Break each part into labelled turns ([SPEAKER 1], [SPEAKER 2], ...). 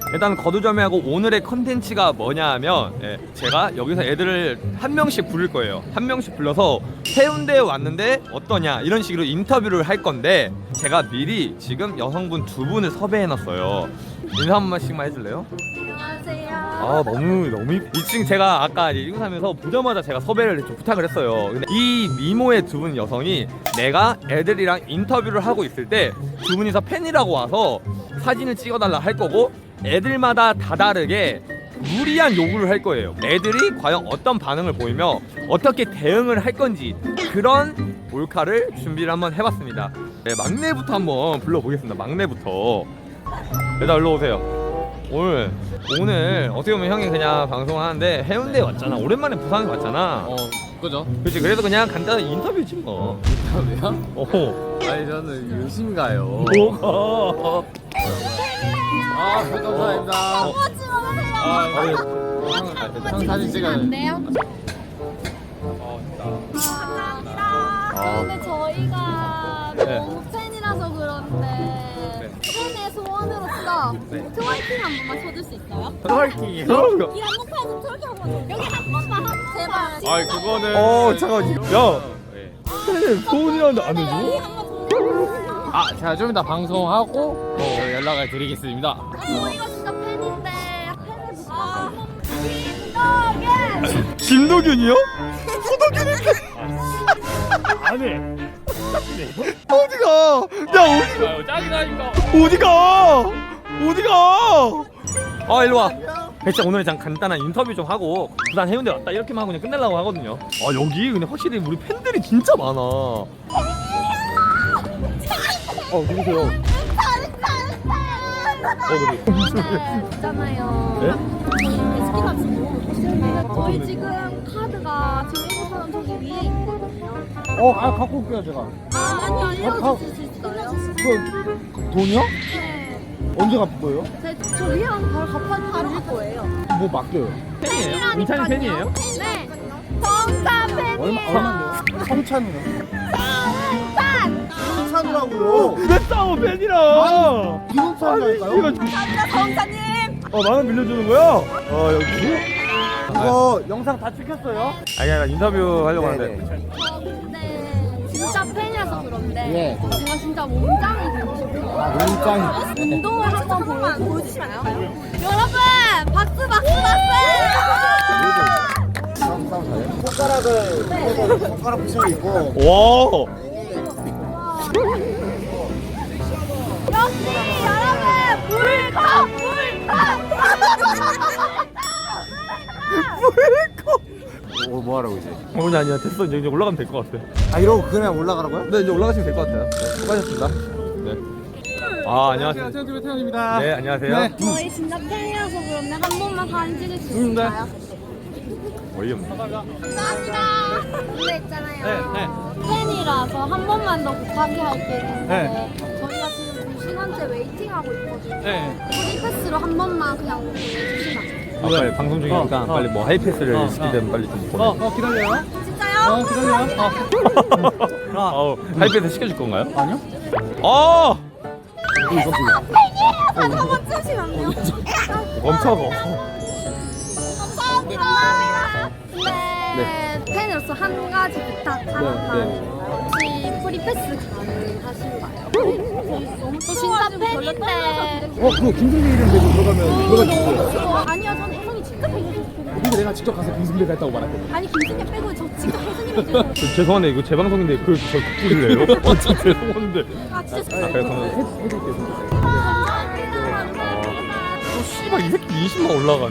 [SPEAKER 1] 일단 거두절미하고 오늘의 컨텐츠가 뭐냐 하면 제가 여기서 애들을 한 명씩 부를 거예요. 한 명씩 불러서 해운대에 왔는데 어떠냐 이런 식으로 인터뷰를 할 건데 제가 미리 지금 여성분 두 분을 섭외해놨어요. 인사 한 번씩만 해줄래요?
[SPEAKER 2] 안녕하세요.
[SPEAKER 1] 아 너무 2층 제가 아까 일구 사면서 보자마자 제가 섭외를 좀 부탁을 했어요. 근데 이 미모의 두 분 여성이 내가 애들이랑 인터뷰를 하고 있을 때 두 분이서 팬이라고 와서 사진을 찍어달라 할 거고 애들마다 다 다르게 무리한 요구를 할 거예요. 애들이 과연 어떤 반응을 보이며 어떻게 대응을 할 건지 그런 몰카를 준비를 한번 해봤습니다. 네, 막내부터 한번 불러보겠습니다. 막내부터 일단 일로 오세요. 오늘 어떻게 보면 형이 그냥 방송을 하는데 해운대에 왔잖아. 오랜만에 부산에 왔잖아.
[SPEAKER 3] 그죠?
[SPEAKER 1] 그렇지. 그래서 그냥 간단한 인터뷰지 뭐.
[SPEAKER 3] 인터뷰요? 아니 저는 열심히 가요.
[SPEAKER 1] 뭐가?
[SPEAKER 3] 감사합니다. 형 사진 찍어요.
[SPEAKER 2] 안 돼요?
[SPEAKER 1] 아.
[SPEAKER 2] 근데 저희가
[SPEAKER 1] 네.
[SPEAKER 2] 너무 팬이라서 그런데 팬의 소원으로서 트월킹 한 번만 쳐줄 수 있어요?
[SPEAKER 1] 트월킹이요?
[SPEAKER 2] 이 한복판에서 트월킹 한 번. 여기 한 번만 제발.
[SPEAKER 1] 아이 그거는. 잠깐. 야. 소원이라는데 안 해줘?
[SPEAKER 2] 여기 한번 더.
[SPEAKER 3] 아 제가 좀 이따 방송하고 연락을 드리겠습니다.
[SPEAKER 2] 저희가 진짜 팬인데 팬을 김덕현.
[SPEAKER 1] 김도균이요? 안 해. 어디가? 야
[SPEAKER 3] 짱이다니까.
[SPEAKER 1] 어디가? 아 일로 와. 진짜 오늘 그냥 간단한 인터뷰 좀 하고 부산 해운대 왔다 이렇게만 하고 그냥 끝내려고 하거든요. 아 여기 근데 확실히 우리 팬들이 진짜 많아. 누구세요? 그래.
[SPEAKER 2] 있잖아요.
[SPEAKER 1] 네?
[SPEAKER 2] 저희 스키가 지금 너무 먹고 싶은데 저희 지금 카드가 지금 일본 사람 저기 위에 있거든요.
[SPEAKER 3] 갖고 올게요 제가.
[SPEAKER 2] 아니 알려주실 수 있어요?
[SPEAKER 3] 그 돈이요?
[SPEAKER 2] 네.
[SPEAKER 3] 언제 갚을 거예요?
[SPEAKER 2] 저 위에 가서 바로 갚아줄 거예요.
[SPEAKER 3] 뭐 맡겨요?
[SPEAKER 1] 팬이에요? 인찬이 팬이에요?
[SPEAKER 2] 네. 정답 팬이에요.
[SPEAKER 3] 얼마인데요? 성찬이요.
[SPEAKER 2] 정답.
[SPEAKER 3] 성찬이라고요?
[SPEAKER 1] 왜 싸워 팬이랑?
[SPEAKER 3] 기본차이랄까요?
[SPEAKER 2] 감사합니다 정사님.
[SPEAKER 1] 만원 빌려주는 거야? 여기?
[SPEAKER 3] 이거 영상 다 찍혔어요?
[SPEAKER 1] 아니야 나 인터뷰 하려고 하는데.
[SPEAKER 2] 저 근데 진짜 팬이라서 그런데
[SPEAKER 3] 예.
[SPEAKER 2] 제가 진짜 몸짱이 되고 싶어요.
[SPEAKER 3] 몸짱이.
[SPEAKER 2] 운동을 한번 보여주시나요? 여러분 박수 박수 박수!
[SPEAKER 3] 손가락 붙이고 있고.
[SPEAKER 1] 와.
[SPEAKER 2] 역시 여러분 물컵
[SPEAKER 3] 뭐하라고 이제?
[SPEAKER 1] 아니야 됐어 이제 올라가면 될 것 같아.
[SPEAKER 3] 이러고 그냥 올라가라고요?
[SPEAKER 1] 네 이제 올라가시면 될 것 같아요. 수고하셨습니다. 네. 안녕하세요.
[SPEAKER 3] 태현TV입니다.
[SPEAKER 1] 네 안녕하세요.
[SPEAKER 3] 네.
[SPEAKER 2] 저희 진짜 팬이라서 그런데 한 번만 사진 찍을 수 있을까요?
[SPEAKER 1] 어이없네.
[SPEAKER 2] 감사합니다. 근데 있잖아요. 팬이라서 한 번만 더 부탁이 할 게 있는데 저희가 지금 2시간째 웨이팅하고 있거든요. 프리패스로 한 번만 그냥 주시면.
[SPEAKER 1] 빨리 방송 중이니까 빨리 뭐 하이패스를 시키든 빨리 좀 보내.
[SPEAKER 3] 기다려요.
[SPEAKER 2] 진짜요?
[SPEAKER 3] 기다려요.
[SPEAKER 1] 하이패스 시켜줄 건가요?
[SPEAKER 3] 아니요.
[SPEAKER 2] 팬이에요. 사진 한번 찍으시면요.
[SPEAKER 1] 멈춰봐.
[SPEAKER 2] 감사합니다. 네. 팬으로서 한 가지 부탁하는데 혹시 프리패스 가능하신가요? 저 진짜 팬인데.
[SPEAKER 3] 그거 김승재 이름 대고 들어가면 들어갈 수 있어요.
[SPEAKER 2] 아니요, 저는 혜성이 직접 해주셨어요.
[SPEAKER 3] 근데 내가 직접 가서 김승재가 했다고 말했거든.
[SPEAKER 2] 아니 김승재 빼고 저 직접 혜성님 해주셨어요.
[SPEAKER 1] 죄송한데 이거 제 방송인데 저 부실래요? 진짜 죄송한데.
[SPEAKER 2] 아 진짜
[SPEAKER 1] 그래 그러면
[SPEAKER 2] 감사합니다.
[SPEAKER 1] 씨발 이 새끼 20만 올라가네.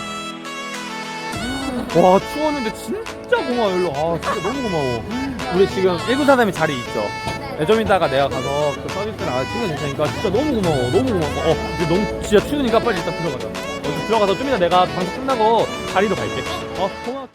[SPEAKER 1] 와 추웠는데 진짜 고마워. 일로 진짜 너무 고마워. 우리 지금 193에 자리 있죠? 네, 좀 이따가 내가 가서 그 서비스를 챙겨줄 테니까 진짜 너무 고마워. 너무 고마워. 이제 너무 진짜 추우니까 빨리 일단 들어가자. 들어가서 좀 이따 내가 방송 끝나고 자리로 갈게. 고마워.